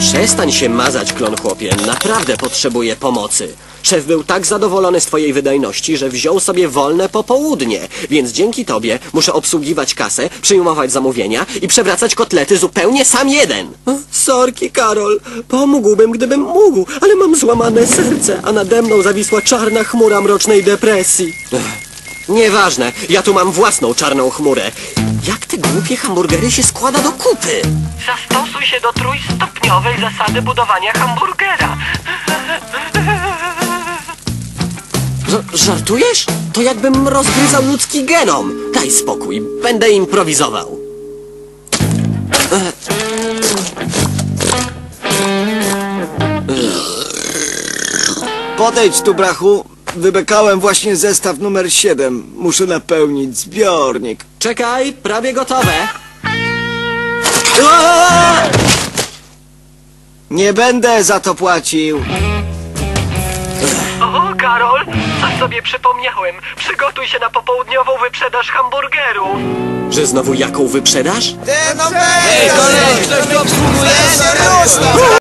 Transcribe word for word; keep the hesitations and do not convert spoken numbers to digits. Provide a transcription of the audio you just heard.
Przestań się mazać, klon chłopie. Naprawdę potrzebuję pomocy. Szef był tak zadowolony z twojej wydajności, że wziął sobie wolne popołudnie. Więc dzięki tobie muszę obsługiwać kasę, przyjmować zamówienia i przewracać kotlety zupełnie sam jeden. Sorki, Karol. Pomógłbym, gdybym mógł, ale mam złamane serce, a nade mną zawisła czarna chmura mrocznej depresji. Ech. Nieważne, ja tu mam własną czarną chmurę. Jak te głupie hamburgery się składa do kupy? Zastosuj się do trójstopniowej zasady budowania hamburgera. Ż- żartujesz? To jakbym rozgryzał ludzki genom. Daj spokój, będę improwizował. Podejdź tu, brachu. Wybekałem właśnie zestaw numer siedem. Muszę napełnić zbiornik. Czekaj, prawie gotowe. Aaaa! Nie będę za to płacił. O, Karol, coś sobie przypomniałem. Przygotuj się na popołudniową wyprzedaż hamburgerów. Że znowu jaką wyprzedaż? Ej, kolej, ktoś tu obsługuje?